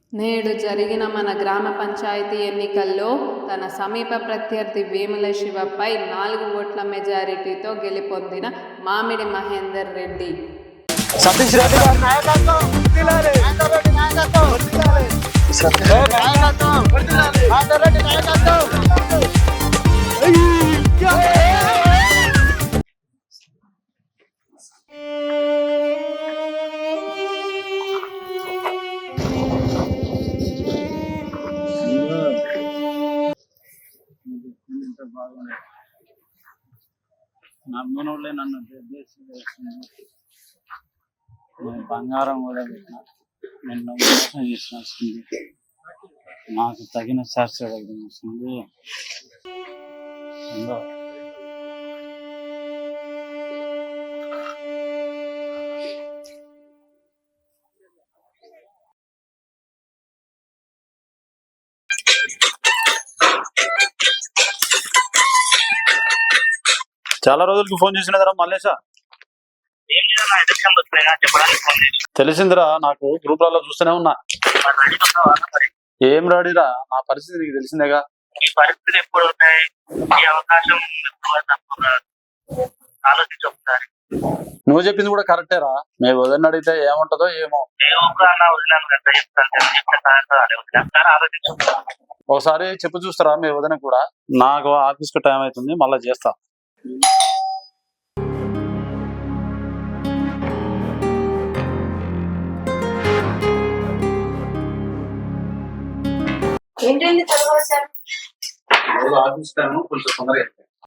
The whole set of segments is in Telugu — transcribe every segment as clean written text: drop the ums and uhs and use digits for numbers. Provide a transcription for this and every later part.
నేడు జరిగిన మన గ్రామ పంచాయతీ ఎన్నికల్లో తన సమీప ప్రత్యర్థి వేముల శివపై 4 ఓట్ల మెజారిటీతో గెలుపొందిన మామిడి మహేందర్ రెడ్డి. సతీష్ రెడ్డి గారి నాయకత్వం వర్ధిల్లాలి. నమ్మనోళ్ళే నన్ను నేను బంగారం కూడా పెట్టిన, నిన్న మోసం చేసినస్తుంది. నాకు తగిన శాస్త్ర వస్తుంది. చాలా రోజులకి ఫోన్ చేసినదరా మల్లేశా? తెలిసిందిరా, నాకు గ్రూప్లలో చూస్తూనే ఉన్నా. ఏం రాడిరా, నా పరిస్థితి నీకు తెలిసిందేగా. నువ్వు చెప్పింది కూడా కరెక్టేరా. మేము వదిలిని అడిగితే ఏముంటదో ఏమో. ఒకసారి చెప్పు చూస్తారా మీ వదిన కూడా? నాకు ఆఫీస్ కు టైం అవుతుంది, మళ్ళీ చేస్తా. ఆఫీస్ టైం కొంచెం తొందరగా.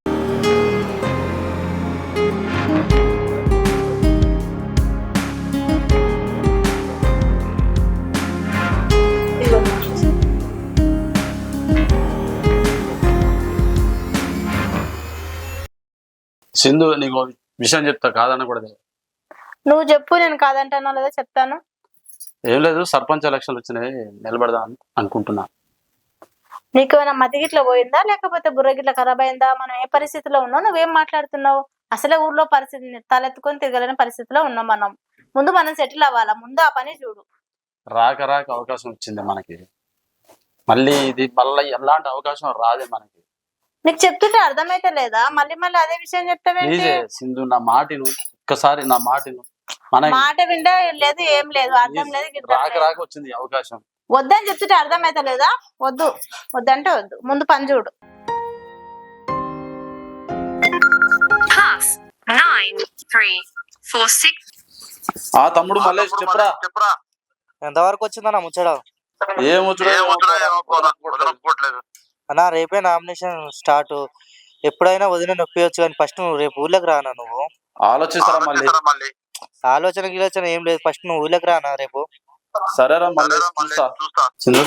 సింధు, నీకు విషయం చెప్తా, కాదనకూడదు. నువ్వు చెప్పు, నేను కాదంటానో లేదా చెప్తాను. ఏం లేదు, సర్పంచ్ ఎలక్షన్లు వచ్చినాయి, నిలబడదాం అనుకుంటున్నా. నీకు ఏమైనా మతిగిట్లా పోయిందా, లేకపోతే బుర్రగిట్ల ఖరాబ్ అయిందా? మనం ఏ పరిస్థితిలో ఉన్నావు, నువ్వేం మాట్లాడుతున్నావు? అసలే ఊర్లో పరిస్థితి తలెత్తుకొని తిరగలేని పరిస్థితిలో ఉన్నాం. ముందు మనం సెటిల్ అవ్వాలా, ముందు ఆ పని చూడు. రాక అవకాశం వచ్చింది మనకి, మళ్ళీ ఇది మళ్ళీ ఎలాంటి అవకాశం రాదే మనకి. నీకు చెప్తుంటే అర్థమైతే లేదా? మళ్ళీ అదే విషయం చెప్తావేంటి? సింధు, నా మాటను ఒక్కసారి, నా మాటను. మాట వింటే లేదు, ఏం లేదు, అర్థం లేదు. రాక వచ్చింది అవకాశం. వద్దని చెప్తుంటే అర్థమైతే లేదా? వద్దంటే వద్దు, ముందు పని చూడు. ఆ తమ్ముడు మల్లేష్, చెప్పురా. ఎంతవరకు వచ్చిందన్నా ముచ్చట? ఏం అన్నా, రేపే నామినేషన్ స్టార్ట్. ఎప్పుడైనా వదిన నొప్పియొచ్చు, కానీ ఫస్ట్ నువ్వు రేపు ఊళ్ళకి రానా? నువ్వు ఆలోచిస్తారా మళ్ళీ? ఆలోచన ఏం లేదు, ఫస్ట్ నువ్వు ఊళ్ళకి రానా రేపు? సరేరా మళ్ళీ చూస్తా. సింధు,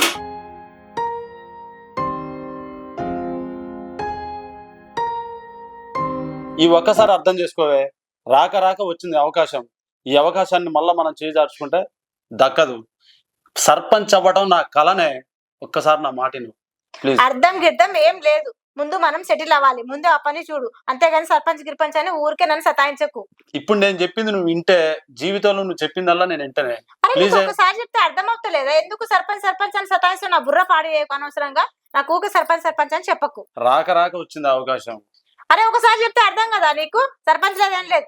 ఈ ఒక్కసారి అర్థం చేసుకోవే. రాక వచ్చింది అవకాశం. ఈ అవకాశాన్ని మళ్ళా మనం చేజార్చుకుంటే దక్కదు. సర్పంచ్ అవ్వడం నా కలనే. ఒక్కసారి నా మాటను ప్లీజ్. అర్థం గిర్థం ఏం లేదు, ముందు మనం సెటిల్ అవ్వాలి, ముందు ఆ పని చూడు. అంతేగాని సర్పంచ్ గిర్పంచ్ అని ఊరికే నన్ను సతాయించకు. ఇప్పుడు నేను చెప్పింది నువ్వు వింటే, జీవితంలో నువ్వు చెప్పిందల్లా నేను వింటనే. ఒకసారి చెప్తే అర్థం అవుతలేదా? ఎందుకు సర్పంచ్ అని సతాయిస్తూ నా బుర్ర పాడి అనవసరంగా. నాకు ఊకే సర్పంచ్ అని చెప్పకు. రాక వచ్చింది అవకాశం. అరే, ఒకసారి చెప్తే అర్థం కదా నీకు? సర్పంచ్ లేదేం లేదు.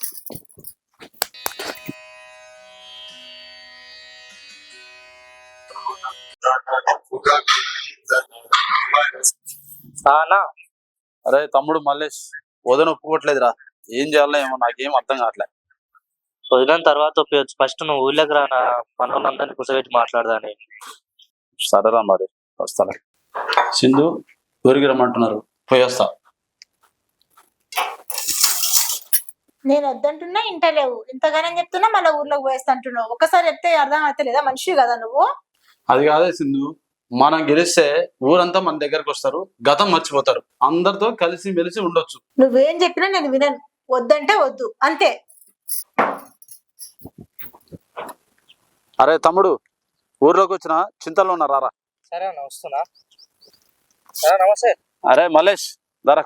అరే తమ్ముడు మల్లేష్, వదిన ఒప్పుకోవట్లేదురా. ఏం చేయాలో ఏమో, నాకేం అర్థం కావట్లేదు. వదిలిన తర్వాత ఒప్పియచ్చు, ఫస్ట్ నువ్వు ఊళ్ళకి రానా, మనోళ్ళందరినీ కూర్చోబెట్టి మాట్లాడదాని. సరేరా మరి, వస్తాను. సింధు, ఊరికి రమ్మంటున్నారు, పోయేస్తా. నేను వద్దంటున్నా, ఇంటలేవు. ఇంతగానే చెప్తున్నా, మళ్ళీ ఊర్లోకి పోయేస్తా అంటున్నావు. ఒకసారి చెప్తే అర్థం అవుతలేదా? మనిషి కదా నువ్వు. అది కాదే సింధు, మనం గెలిస్తే ఊరంతా మన దగ్గరకు వస్తారు, గతం మర్చిపోతారు, అందరితో కలిసి మెలిసి ఉండొచ్చు. నువ్వేం చెప్పినా నేను వినను, వద్దంటే వద్దు, అంతే. అరే తమ్ముడు, ఊర్లోకి వచ్చిన చింతలో ఉన్నారా? సరే అన్న, వస్తున్నా. నమస్తే. అరే మల్లేష్, దారా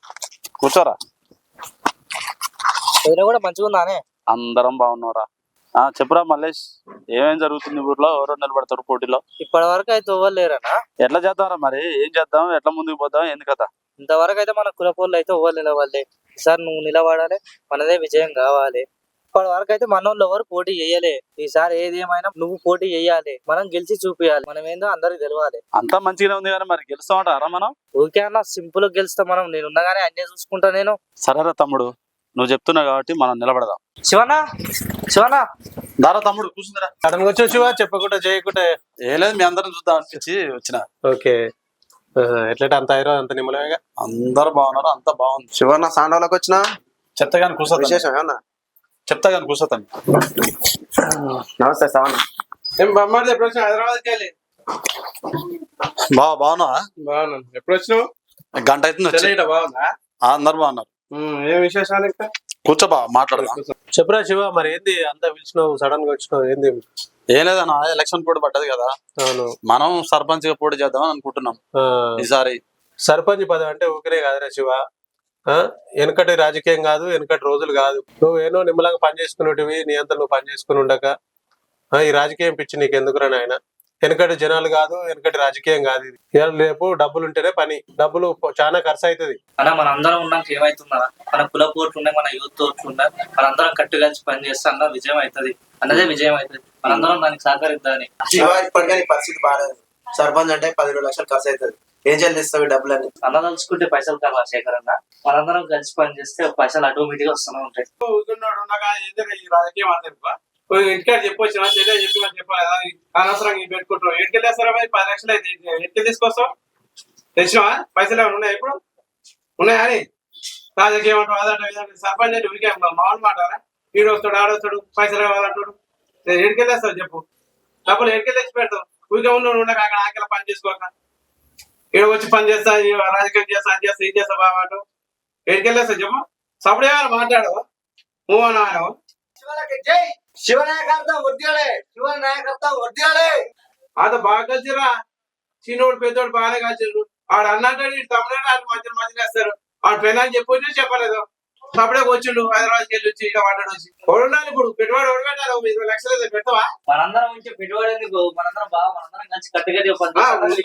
కూర్చోరా. కూడా మంచిగా ఉందానే? అందరం బాగున్నారా? చెప్పురా మల్లేష్, ఏమేం జరుగుతుంది ఊర్లో? ఎవరు నిలబడతారు పోటీలో? ఇప్పటి వరకు అయితే ఇవ్వలేరనా? ఎట్లా చేద్దాంరా మరి? ఏం చేద్దాం? ఎట్లా ముందుకు పోదాం? ఏంది కథ? ఇంతవరకు అయితే మన కులపోళ్ళు అయితే ఇవ్వాలి నిలవాలి. ఈసారి నువ్వు నిలబడాలి, మనదే విజయం కావాలి. ఇప్పటి వరకు అయితే మనోళ్ళు ఎవరు పోటీ చేయలే. ఈసారి ఏది ఏమైనా నువ్వు పోటీ చేయాలి, మనం గెలిచి చూపించాలి. మనం ఏందో అందరికి తెలవాలి. అంతా మంచిగానే ఉంది కానీ మరి గెలుస్తామంటారా మనం? ఊరికే అన్న సింపుల్ గా గెలుస్తాం మనం. నేను ఉన్నగానే అన్నీ చూసుకుంటా నేను. సరేరా తమ్ముడు, నువ్వు చెప్తున్నావు కాబట్టి మనం నిలబడదాం. శివనా, శివనా, దారా తమ్ముడు కూర్చుందిరా. సడన్ గా వచ్చావు శివ, చెప్పకుండా చేయకుండా. ఏ లేదు, మీ అందరం చూద్దాం అనిపించి వచ్చిన. ఓకే, ఎట్లా అంత ఐరో అంత నిమ్మలమేగా? అందరు బాగున్నారు, అంతా బాగుంది. శివన్న సాండవలోకి వచ్చిన చెప్తా కానీ కూర్చోతాను. విశేషం ఏమన్నా? చెప్తా కానీ కూర్చోతాను. నమస్తే సవన్న. ఏం బొమ్మాడి ఎప్పుడు వచ్చినావు? హైదరాబాద్కి వెళ్ళి బాగున్నావా? బాగున్నాను. ఎప్పుడు వచ్చినావు? గంట అవుతుంది వచ్చి. చెల్లెట బాగుందా? అందరు బాగున్నారు. ఏం విశేషాలు ఇంకా? కూర్చోబా, మాట్లాడదాం. చెప్పురా శివ, మరి ఏంది అంతా పిలిచినావు, సడన్ గా వచ్చినావు, ఏంది? ఏం లేదన్నా, ఎలక్షన్ పోటీ పడ్డది కదా, అవును. మనం సర్పంచ్ గా పోటీ చేద్దామని అనుకుంటున్నాం ఈసారి. సర్పంచ్ పదవి అంటే ఊరికే కాదురా శివ. వెనకటి రాజకీయం కాదు, వెనకటి రోజులు కాదు. నువ్వేనో నిమ్మలంగా పని చేసుకునేటివి, నీ అంతా నువ్వు పని చేసుకుని ఉండక ఈ రాజకీయం పిచ్చి నీకు ఎందుకురా నాయన? వెనకటి జనాలు కాదు, వెనకటి రాజకీయం కాదు ఇది. ఇవాళ రేపు డబ్బులు ఉంటేనే పని. డబ్బులు చాలా ఖర్చు అవుతుంది. అన్న మన అందరం ఉన్నాక ఏమైతుందా? మన కుల పోట్లు ఉన్నాయి, మన యూత్ ఓట్లు ఉన్నాయి. మనందరం కట్టు కలిసి పని చేస్తే అన్న విజయం అవుతుంది. అన్నదే విజయం అవుతుంది. మనందరం దానికి సహకరిద్దామని. ఇప్పటికే నీ పరిస్థితి బాగాలేదు. సర్పంచ్ అంటే 10 లక్షలు ఖర్చు అవుతుంది. ఏం చెల్లిస్తావు డబ్బులని? అన్న తలుచుకుంటే పైసలు కావాలి శేఖర్ అన్న. మనందరం కలిసి పని చేస్తే పైసలు ఆటోమేటిక్ గా వస్తూనే ఉంటాయి. ఈ రాజకీయం అంతే ఇంటికాడ చెప్పొచ్చు, చెప్పాలి. అనవసరంగా పెట్టుకుంటాం. ఎటుకెళ్ళి వేస్తారా? 10 లక్షలు అయితే ఎటుకెళ్ళి తీసుకొస్తాం? తెచ్చినావా? పైసలు ఏమైనా ఉన్నాయా? ఇప్పుడు ఉన్నాయా అని రాజకీయం అంటారు. అదంటే సర్పంచ్ అంటే ఉరికే మామూలు మాటారా? వీడు వస్తాడు, ఆడొస్తాడు, పైసలు కావాలంటాడు. ఎటుకెళ్ళి వేస్తావు చెప్పు? డబ్బులు ఎటుకెళ్ళి తెచ్చి పెడతావు? ఊరికే ఉండక అక్కడ ఆకలి పని చేసుకోక ఇక్కడ వచ్చి పని చేస్తా, రాజకీయం చేస్తా, అది చేస్తా, ఇది చేస్తా బాబా అంటూ ఎటుకెళ్ళి వేస్తావు చెప్పు? సప్పుడు ఏమైనా మాట్లాడు మూవ్ అన్నాడు. అది బాగా కలిసిరా. చిన్నోడు పెద్దోడు బాగానే కలిసిరు. ఆడు అన్నట్టు తమ్ముడు మధ్య మధ్యలో వేస్తారు. ఆడు పెళ్ళని చెప్పొచ్చు చెప్పలేదు. సపడే వచ్చిండు హైదరాబాద్కి వెళ్ళి వచ్చి ఇక వాడాడు వచ్చి ఉండాలి. ఇప్పుడు పెట్టుబడి పెట్టాలి. 20 లక్షలు అయితే పెడతావా? మనందరం ఉంటే పెట్టుబడి ఎందుకు? మనందరం బాగా మనందరం కలిసి కట్టుగా చెప్పాలి.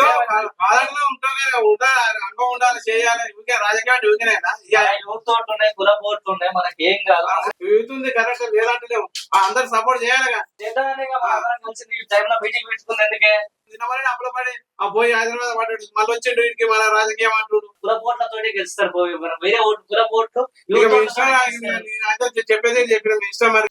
అనుభవం ఉండాలి, చేయాలి. ఊరికే రాజకీయాలు ఊరికేనా? యూత్ ఓట్లు ఉన్నాయి, కుల పోట్లు ఉన్నాయి, మనకి ఏం కాదు. యూతుంది కరెక్ట్ లేదంటలేము. అందరు సపోర్ట్ చేయాలిగా. మీటింగ్ పెట్టుకుంది ఎందుకే? అప్పుల పడి పోయి హైదరాబాద్ పడ్డాడు. మళ్ళీ వచ్చిండు ఇంటికి మన రాజకీయం అంటుడు. కుల పోట్లతోటి గెలుస్తారు. పోయి వేరే ఓటు కుల పోట్లు చెప్పేది చెప్పిన ఇష్టం. మరి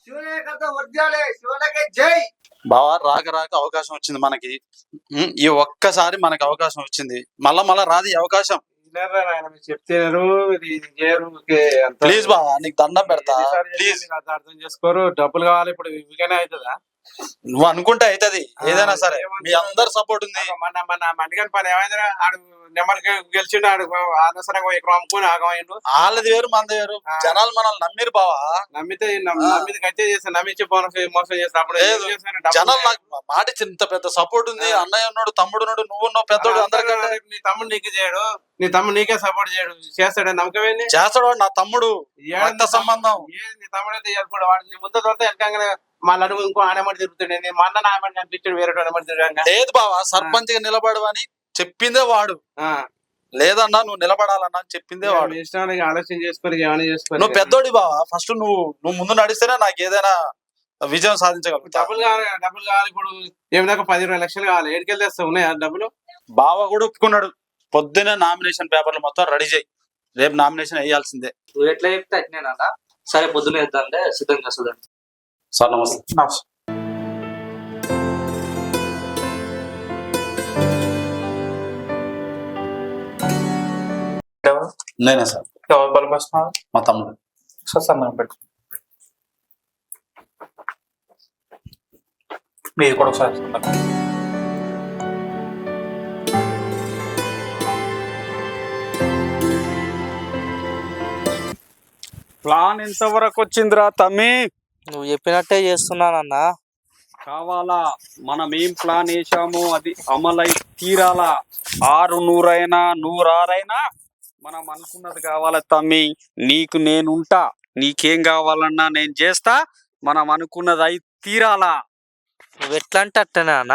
బావా, రాక రాక అవకాశం వచ్చింది మనకి. ఈ ఒక్కసారి మనకి అవకాశం వచ్చింది. మళ్ళా రాదు ఈ అవకాశం. చెప్తారు ప్లీజ్ బావా, నీకు దండం పెడతా ప్లీజ్. అర్థం చేసుకోరు. డబ్బులు కావాలి ఇప్పుడు. ఇవిగానే అవుతుందా? నువ్వు అనుకుంటే అవుతుంది ఏదైనా సరే. మీ అందరు సపోర్ట్ ఉంది. మన మండిగని పని ఏమైందిరా? ఆడు నెంబర్ గెలిచిండు. ఆడు అనవసరంగా ఇక్కడ అమ్ముకుని ఆగమైండు. వాళ్ళది వేరు, మనది వేరు. జనాలు మనల్ని నమ్మిరు బావా. నమ్మితే గచ్చే చేస్తాను. నమ్మించి మోసం చేస్తాను. అప్పుడు జనాలు నాకు మాట ఇచ్చిన ఇంత పెద్ద సపోర్ట్ ఉంది. అన్నయ్య ఉన్నాడు, తమ్ముడు ఉన్నాడు, నువ్వు ఉన్నావు, పెద్దోడు. అందరికంటే నీ తమ్ముడు నీకు చేయడు. నీ తమ్ముడు నీకే సపోర్ట్ చేయడు. చేస్తాడు నమ్మకమేంది? చేస్తాడు. నా తమ్ముడు రక్త సంబంధం. నీ తమ్ముడు అయితే కూడా వాడు నీ ముందు దొరికితే వెనకంగానే మళ్ళీ అడుగు ఇంకో ఆనమడి తిరుగుతాడు. నేను మా అన్న ఆమె కనిపించాడు, వేరే ఆనమడి తిరగంగా. లేదు బావా, సర్పంచ్ గా నిలబడు అని చెప్పిందే వాడు. లేదన్నా నువ్వు నిలబడాలన్నా అని చెప్పిందే వాడు. ఇష్టానికి ఆలోచన చేసుకొని ఏమైనా చేసుకో. నువ్వు పెద్దోడి బావా. ఫస్ట్ నువ్వు ముందు నడిస్తేనే నాకు ఏదైనా విజయం సాధించగలుగుతా. డబ్బులు కావాలి ఇప్పుడు. ఏమిదాకా 10-20 లక్షలు కావాలి. ఏడుకెళ్ళి తెస్తా ఉన్నాయా డబ్బులు? బావ కూడా ఒప్పుకున్నాడు. పొద్దునే నామినేషన్ పేపర్లు మొత్తం రెడీ చేయి. రేపు నామినేషన్ వేయాల్సిందే. నువ్వు ఎట్లా చెప్తే అట్నేనా? సరే పొద్దున్న వేద్దాంటే సిద్ధం చేస్తుందండి. సార్ నమస్తే. నేనే సార్. మా తమ్ముడు. మీరు కూడా ఒకసారి ప్లాన్ ఎంతవరకు వచ్చిందిరా తమ్మి? నువ్వు చెప్పినట్టే చేస్తున్నానన్నా. కావాలా? మనం ఏం ప్లాన్ వేసామో అది అమలై తీరాలా. 600 100 మనం అనుకున్నది కావాలా తమ్మి. నీకు నేనుంటా. నీకేం కావాలన్నా నేను చేస్తా. మనం అనుకున్నది అయి తీరాలా. నువ్వు ఎట్లా అంటే అట్టనే అన్న.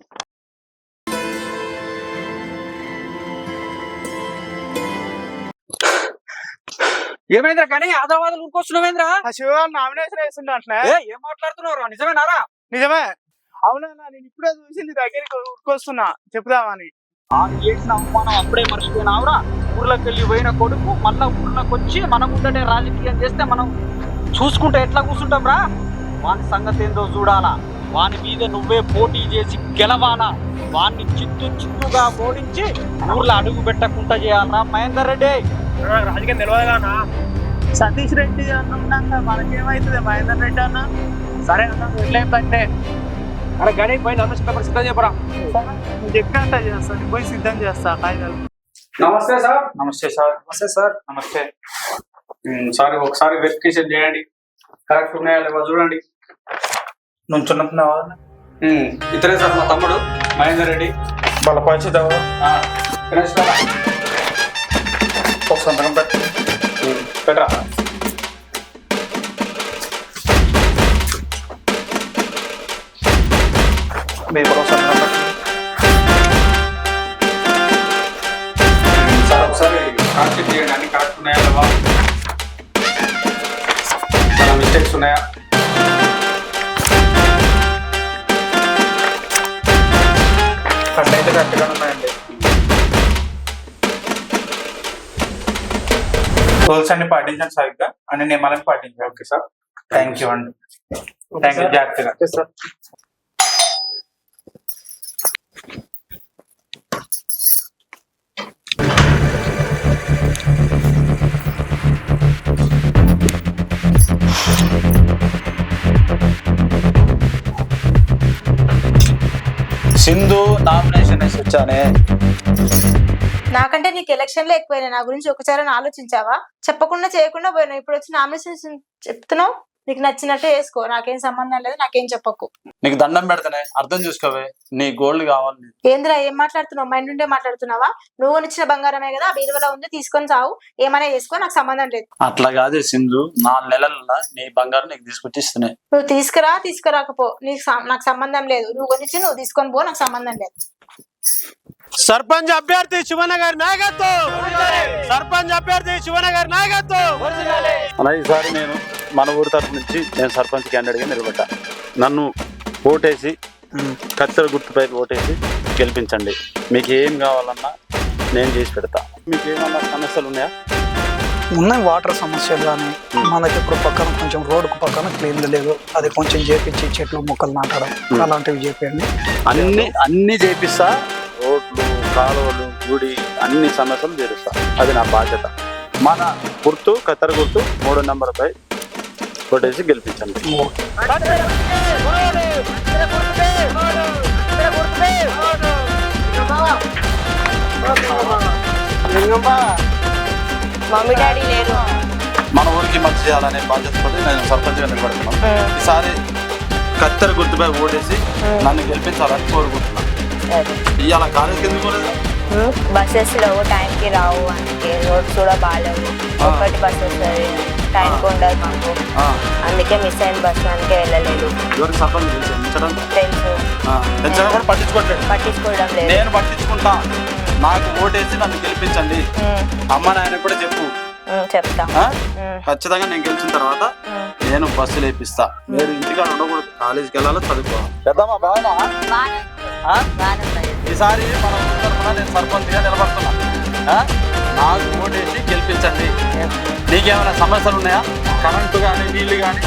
ఏమైందిరా కానీ ఆదావాదాలు ఊరుకొస్తున్నావేంద్రా? శివ నామినేషన్ వేస్తుండే అట్లా ఏం మాట్లాడుతున్నావు? నిజమేనారా? నిజమే. అవునన్నా, నేను ఇప్పుడే చూసి నీ దగ్గరికి ఉరుకొస్తున్నా చెప్దామని. ఆమె చేసిన అవమానం అప్పుడే మర్చిపోయినావురా? ఊర్లోకి వెళ్ళి పోయిన కొడుకు మళ్ళా ఊర్లోకి వచ్చి మనం ఉంటే రాజకీయం చేస్తే మనం చూసుకుంటే ఎట్లా కూర్చుంటాం రా? వాని సంగతి ఏందో చూడాలా. వాని మీద నువ్వే పోటీ చేసి గెలవాలా. వాన్ని చిత్తుగా ఓడించి ఊర్లో అడుగు పెట్టకుండా చేయాలరా మహేందర్ రెడ్డి. రాజకీయం తెలియదుగా సతీష్ రెడ్డి అన్న ఉన్నాక మనకేమైతుంది మహేందర్ రెడ్డి అన్న? సరే అన్న, వెళ్ళేంటే అరే గడి పోయి నమస్కారం సిద్ధం చెప్పరా. నువ్వు చెప్పినట్ట చేస్తాను, పోయి సిద్ధం చేస్తా కాగితాలు. నమస్తే సార్. నమస్తే సార్. నమస్తే సార్. నమస్తే. సార్ ఒకసారి వెరిఫికేషన్ చేయండి, కరెక్ట్ ఉన్నాయా లేవా చూడండి. నుంచున్నావా? ఇతరే సార్ మా తమ్ముడు మహేందర్ రెడ్డి. వాళ్ళ పరిస్థితి ఎవరు? గణేష్ బాబా. ఒక సంతకం పెట్టరా. మీరు కూడా ఒక సంతకం సార్ ఒకసారి కాన్సెప్ట్ చేయండి, అన్ని కరెక్ట్ ఉన్నాయా లేవా, చాలా మిస్టేక్స్ ఉన్నాయా? అట్లయితే కరెక్ట్గా ఉన్నాయండి. రూల్స్ అన్ని పాటించండి సరిగ్గా, అన్ని నియమాలను పాటించండి. Okay sir. థ్యాంక్ యూ అండి. Thank you. జాగ్రత్తగా. సార్ సింధు నామినేషన్ వేసి వచ్చానే. నాకంటే నీకు ఎలక్షన్ లో ఎక్కువైనా నా గురించి ఒకసారి ఆలోచించావా? చెప్పకుండా చేయకుండా పోయినావు. ఇప్పుడు వచ్చి నామినేషన్ చెప్తున్నావు. నీకు నచ్చినట్టే వేసుకో, నాకేం సంబంధం లేదు, నాకేం చెప్పకు. నీకు దండం పెడతానే, అర్థం చేసుకోవే. నీ గోల్డ్ కావాలి. ఏంద్రా ఏం మాట్లాడుతున్నావు? మైండ్ నుండే మాట్లాడుతున్నావా? నువ్వు కొనిచ్చిన బంగారమే కదా, బీరువలో ఉంది, తీసుకొని సావు, ఏమైనా చేసుకో, నాకు సంబంధం లేదు. అట్లా కాదే సింధు, 4 నెలల నీ బంగారం నీకు తీసుకొచ్చి ఇస్తున్నాయి. నువ్వు తీసుకురాకపో, నాకు సంబంధం లేదు. నువ్వు కొనిచ్చి నువ్వు తీసుకొని పో, నాకు సంబంధం లేదు. సర్పంచ్ అభ్యర్థి శివనగర్ నాయకత్వం. సర్పంచ్ అభ్యర్థి శివనగర్ నాయకత్వం. అలా ఈసారి నేను మన ఊరి తరఫు నుంచి నేను సర్పంచ్ క్యాండిడేట్గా నిలబడ్డా. నన్ను ఓటేసి కత్తెర గుర్తుపై ఓటేసి గెలిపించండి. మీకు ఏం కావాలన్నా నేను చేసి పెడతా. మీకు ఏమన్నా సమస్యలు ఉన్నాయా? ఉన్నాయి వాటర్ సమస్యలు కానీ మనకి ఇప్పుడు పక్కన కొంచెం రోడ్డుకు పక్కన క్లీన్ లేదు, అది కొంచెం చేపించి చెట్లు మొక్కలు నాటడం అలాంటివి చేయండి. అన్ని చేపిస్తా. రోడ్లు, కాలువలు, గుడి అన్ని సమస్యలు తీరుస్తా. అది నా బాధ్యత. మన గుర్తు కత్తెర గుర్తు 3వ నెంబర్పై ఓటేసి గెలిపించండి. మమ్మీ డాడీ లేరు. మన ఊరికి మంచి చేయాలనే బాధ్యతతో నేను సర్పంచ్గా నిలబడుతున్నాను. ఈసారి కత్తెర గుర్తుపై ఓటేసి నన్ను గెలిపించాలని కోరుకుంటున్నాను. ఇవాళ కాలేజీకి ఎందుకు పోలేదు? బస్సెస్ లో టైంకి రావు, అందుకే రోడ్స్ కూడా బాగాలేవు. ఒకటి బస్ వస్తుంది, టైంకి ఉండదు మాకు, అందుకే మిస్ అయిన బస్ అందుకే వెళ్ళలేదు. ఎవరికి సర్పంచ్ తెలుసు కూడా పట్టించుకోవడం లేదు. నేను పట్టించుకుంటా. నాకు ఓటేసి నన్ను గెలిపించండి. అమ్మ నాయన కూడా చెప్పు. చెప్తా. ఖచ్చితంగా నేను గెలిచిన తర్వాత నేను బస్సులు వేపిస్తా. మీరు ఇంటికాడ ఉండకూడదు, కాలేజీకి వెళ్ళాలి, చదువుకోవాలి. పెద్దమ్మా బాగున్నా? ఈసారి మన ఊరి తరఫున నేను సర్పంచ్గా నిలబడుతున్నా. నాకు ఓటేసి గెలిపించండి. నీకేమైనా సమస్యలు ఉన్నాయా? కరెంటు కానీ, నీళ్లు కానీ?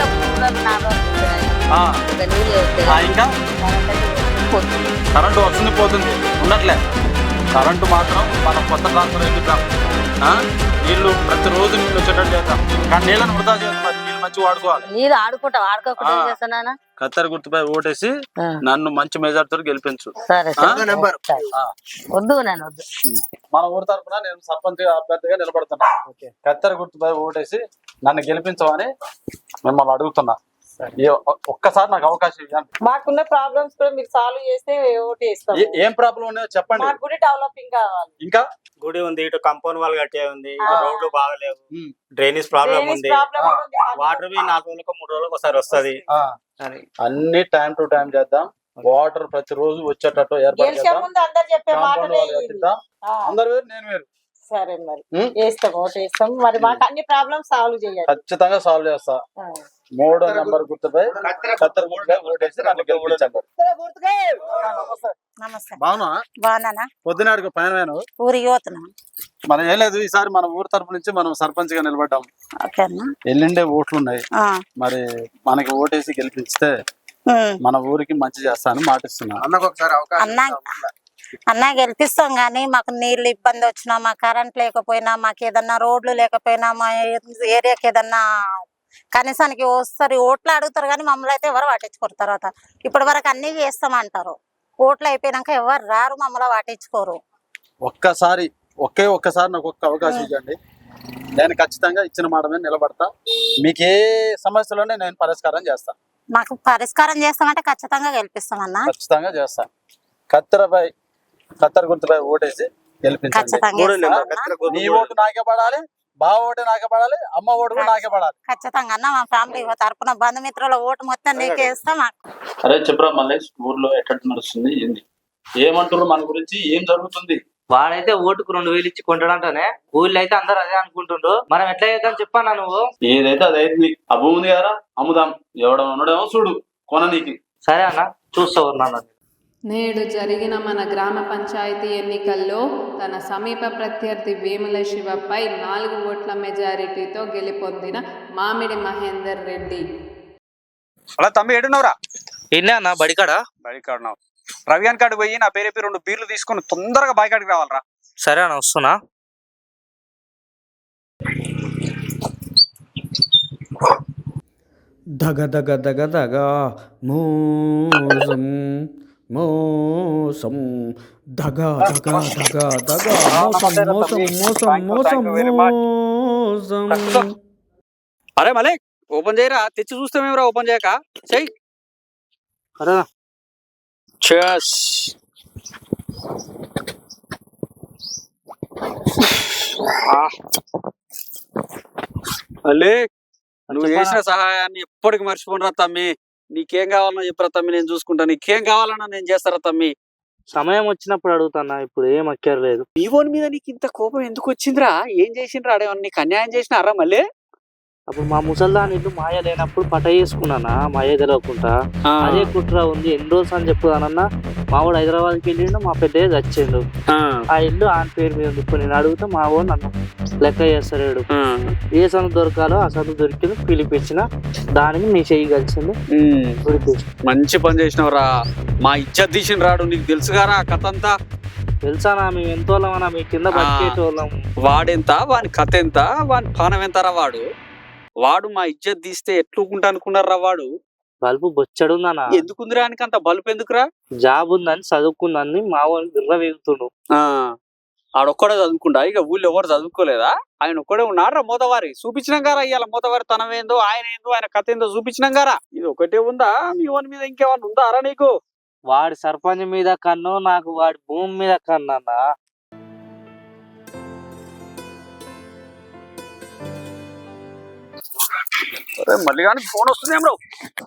ఇంకా కరెంటు వస్తుంది పోతుంది ఉండట్లే. కరెంటు మాత్రం మనం కొత్త ట్రాన్స్ఫర్ వేపిద్దాం. నీళ్లు ప్రతిరోజు నీళ్ళు వచ్చేటట్టు చేద్దాం. కానీ నీళ్ళని వృధా చేద్దాం. నీళ్ళు మంచిగా వాడుకోవాలి. నీళ్ళు ఆడుకుంటా ఆడుకోకుండా కత్తెర గుర్తుపై ఓటేసి నన్ను మంచి మెజార్టీతో గెలిపించు. వద్దు నేను వద్దు. మన ఊరి తరఫున నేను సర్పంచ్ అభ్యర్థిగా నిలబడుతున్నా. కత్తెర గుర్తుపై ఓటేసి నన్ను గెలిపించమని మిమ్మల్ని అడుగుతున్నా. ఒక్కసారి నాకు అవకాశం ఇవ్వండి. మాకున్న ప్రాబ్లమ్స్ కూడా మీరు సాల్వ్ చేస్తే ఓటు వేస్తాం. ఏం ప్రాబ్లం ఉన్నాయో చెప్పండి. మాకు గుడి డెవలపింగ్ కావాలి. ఇంకా గుడి ఉంది, ఇటు కంపౌండ్ వాల్ కట్టే ఉంది, రోడ్లు బాగలేవు, డ్రైనేజ్ ప్రాబ్లం ఉంది, వాటర్ బి 4 రోజులకు 3 రోజులకు ఒకసారి వస్తుంది. అన్ని టైం టు టైం చేద్దాం. వాటర్ ప్రతిరోజు వచ్చేటట్టు ఏర్పాటు చేద్దాం. అందరు వేరు నేను వేరు. సరే మరి వేస్తాం, ఓటు వేస్తాం. మరి మాకు అన్ని ప్రాబ్లమ్స్ సాల్వ్ చేయాలి. ఖచ్చితంగా సాల్వ్ చేస్తా. 3వ నెంబర్ గుర్తుపై కత్తెర గుర్తుపై ఓటేసి నన్ను గెలిపించండి. బాగున్నా పొద్దునాడికి పైన ఊరికి పోతున్నా. మనం ఏం లేదు, ఈసారి మన ఊరు తరపు నుంచి మనం సర్పంచ్ గా నిలబడ్డాం. ఎల్లుండే ఓట్లు ఉన్నాయి. మరి మనకి ఓటేసి గెలిపిస్తే మన ఊరికి మంచి చేస్తానని మాటిస్తున్నా. అన్నా గెలిపిస్తాం గానీ మాకు నీళ్ళు ఇబ్బంది వచ్చినా, మా కరెంట్ లేకపోయినా, మాకు ఏదన్నా రోడ్లు లేకపోయినా, మా ఏరియాకి ఏదన్నా కనీసానికి వస్తారు ఓట్లు అడుగుతారు కానీ మమ్మల్ని అయితే ఎవరు పట్టించుకోరు. తర్వాత ఇప్పటి వరకు అన్ని చేస్తామంటారు, ఓట్లు అయిపోయినాక ఎవరు రారు, మమ్మల్ని పట్టించుకోరు. ఒక్కసారి నాకు ఒక్క అవకాశం ఇవ్వండి. నేను ఖచ్చితంగా ఇచ్చిన మాట మీద నిలబడతా. మీకు ఏ సమస్యలోనే నేను పరిష్కారం చేస్తా. మాకు పరిష్కారం చేస్తామంటే ఖచ్చితంగా గెలిపిస్తామన్నా. ఖచ్చితంగా చేస్తా. కత్తెర గుర్తుపై ఓటేసి గెలిపించండి. నీ ఓటు నాకే పడాలి, బా ఓటు నాకే పడాలి, అమ్మ ఓటు కూడా నాకే పడాలి. ఖచ్చితంగా అన్న మా ఫ్యామిలీ తరపున బంధుమిత్రుల ఓటు మొత్తం నీకే ఇస్తాం. అరే చెప్పరా మల్లేష్, ఊర్లో ఎట్లా నడుస్తుంది, ఏంది ఏమంటారు మన గురించి, ఏం జరుగుతుంది? వాడైతే ఓటుకు 2000 ఇచ్చి కొంటాడంటానే, ఊళ్ళో అయితే అందరు అదే అనుకుంటుండ్రు. మనం ఎట్లా చేద్దాం చెప్పన్నా నువ్వు? ఏదైతే అదైతుంది. ఆ భూమి ఉంది కదా, అమ్ముదాం. ఎవడో ఉన్నాడేమో చూడు కొన నీకు. సరే అన్న, చూస్తావు నాన్న. నేడు జరిగిన మన గ్రామ పంచాయతీ ఎన్నికల్లో తన సమీప ప్రత్యర్థి వేముల శివపై 4 ఓట్ల మెజారిటీతో గెలుపొందిన మామిడి మహేందర్ రెడ్డి. అలా తమ్మి ఏడున్నావురా? ఎన్నే అన్న బడికాడా? బడికాడున్నావు. రవియాన్ కాడికి పోయి నా పేరు 2 బీర్లు తీసుకుని తొందరగా బాయికాడికి రావాలరా. సరే అన్న వస్తున్నా. దగ దగ దగ దగ మోసం మోసం దగ దగ దగ దగ మోసం మోసం మోసం మోసం మోసం. అరే మలే ఓపెన్ చేయరా, తెచ్చి చూస్తామేమరా ఓపెన్ చేయక. చెయ్యి. Cheers. మళ్ళీ నువ్వు చేసిన సహాయాన్ని ఎప్పటికి మర్చిపోనరా తమ్మి. నీకేం కావాలన్నా చెప్పరా తమ్మి, నేను చూసుకుంటా. నీకేం కావాలన్నా నేను చేస్తారా తమ్మి. సమయం వచ్చినప్పుడు అడుగుతానా, ఇప్పుడు ఏం అక్కర్లేదు. నీ ఓన్ మీద నీకు ఇంత కోపం ఎందుకు వచ్చిందిరా? ఏం చేసిండ్రా? అడేమన్నా నీకు అన్యాయం చేసినారా మళ్ళీ? అప్పుడు మా ముసల్దాని ఇల్లు మాయ లేనప్పుడు పట చేసుకున్నానా, మాయ తెలవకుండా. అదే కుట్ర ఉంది. ఎన్ని రోజులు అని చెప్పుదానన్నా, మా వాడు హైదరాబాద్కి వెళ్ళిండు, మా పెద్దయ్య చచ్చిండు. ఆ ఇల్లు ఆయన పేరు మీద ఉంది. ఇప్పుడు నేను అడిగితే మా వాడు నన్ను లెక్క చేస్తాడు. ఏ సందు దొరకాలో ఆ సందు దొరికింది, పిలిపించిన దానికి నీ చెయ్యి కలిసింది. మంచి పని చేసినవరా. మా ఇజ్జత్ తీసిన రాడు. నీకు తెలుసుగారా కథ అంతా? తెలుసానా? మేము ఎంతోళ్ళమన్నా మీ కింద బతికేటోళ్ళం. వాడెంత, వాని కథ ఎంత, వాని పానం ఎంతరా? వాడు మా ఇజ్జత్ తీస్తే ఎట్లుకుంటా అనుకున్నారా? వాడు బల్బు బొచ్చడుందనా? ఎందుకుందిరా ఆయనకి అంత బల్బు ఎందుకురా? జాబ్ ఉందని చదువుకుందని మా వాడిని బిర్ర వేగుతుండు. ఆడొక్కడే చదువుకుంటా? ఇక ఊళ్ళో ఎవరు చదువుకోలేదా? ఆయన ఒక్కడే ఉన్నారా? మోతవారి చూపించినాం గారా. ఇవాళ మోతవారి తనం ఏందో, ఆయన ఏందో, ఆయన కథ ఏందో చూపించినాం గారా. ఇది ఒకటే ఉందా? మీ ఓన్ మీద ఇంకేమన్నా ఉందారా నీకు? వాడి సర్పంచ్ మీద కన్ను, నాకు వాడి భూమి మీద కన్ను అన్నా. మళ్ళీ కానీ ఫోన్ వస్తుందేం రావు.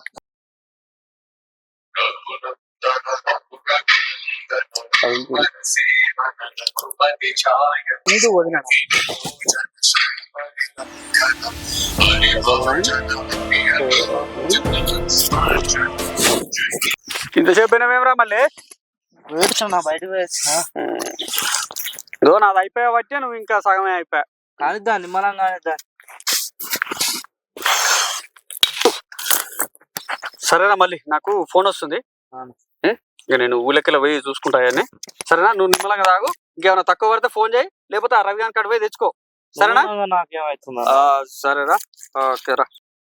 ఇంతసేపు అయినామేమరా మళ్ళీ? వేడుచున్నా, బయటకు వేస్తున్నా. ఇదో నాది అయిపోయా బట్టి నువ్వు ఇంకా సగమే అయిపోయా. కానిద్దా, నిమ్మలం కానిద్దా. సరేనా, మళ్ళీ నాకు ఫోన్ వస్తుంది. ఇక నేను ఊళ్ళకెళ్ళి పోయి చూసుకుంటాయని. సరేనా, నువ్వు నిమ్మలంగా తాగు. ఇంకేమైనా తక్కువ పడితే ఫోన్ చేయి, లేకపోతే ఆ రవి గారి కాడ పోయి తెచ్చుకో. సరేనా? నాకేమవుతుందా? సరేరా, ఓకేరా.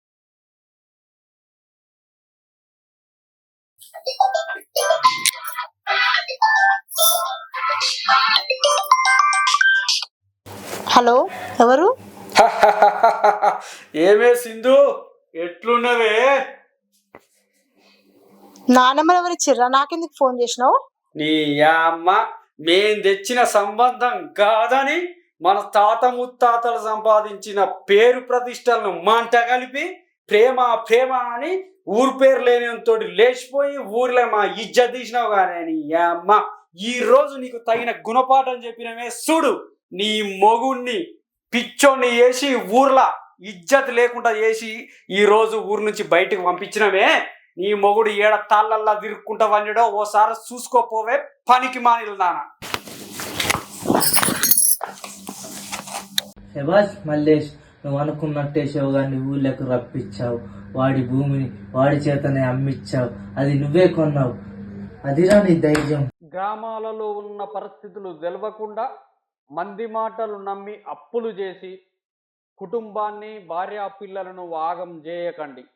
హలో, ఎవరు? ఏమే సింధు, ఎట్లున్నవే? నా నెంబర్ ఎవరు ఇచ్చిర్రా? నాకెందుకు ఫోన్ చేసినావు? నీ అమ్మ మేం తెచ్చిన సంబంధం కాదని మన తాత ముత్తాతలు సంపాదించిన పేరు ప్రతిష్టలను మంట కలిపి ప్రేమ ప్రేమ అని ఊరు పేరు లేనితోటి లేచిపోయి ఊర్లో మా ఇజ్జత్ తీసినావు కానీ నీ అమ్మ ఈ రోజు నీకు తగిన గుణపాఠం చెప్పినమే చూడు. నీ మొగుణ్ణి పిచ్చోని వేసి ఊర్లా ఇజ్జత్ లేకుండా చేసి ఈ రోజు ఊరు నుంచి బయటకు పంపించినమే. నీ మొగుడు ఏడ తాళ్ళల్లా తిరుక్కుంటా వండడో ఓసారి చూసుకోపోవే పనికి మానిలు నాన్న. శబాష్ మల్లేష్, నువ్వు అనుకున్నట్టే శివగాన్ని ఊళ్ళకు రప్పించావు. వాడి భూమిని వాడి చేతనే అమ్మిచ్చావు. అది నువ్వే కొన్నావు. అదిరా నీ ధైర్యం. గ్రామాలలో ఉన్న పరిస్థితులు తెలవకుండా మంది మాటలు నమ్మి అప్పులు చేసి కుటుంబాన్ని భార్యా పిల్లలను వాగం చేయకండి.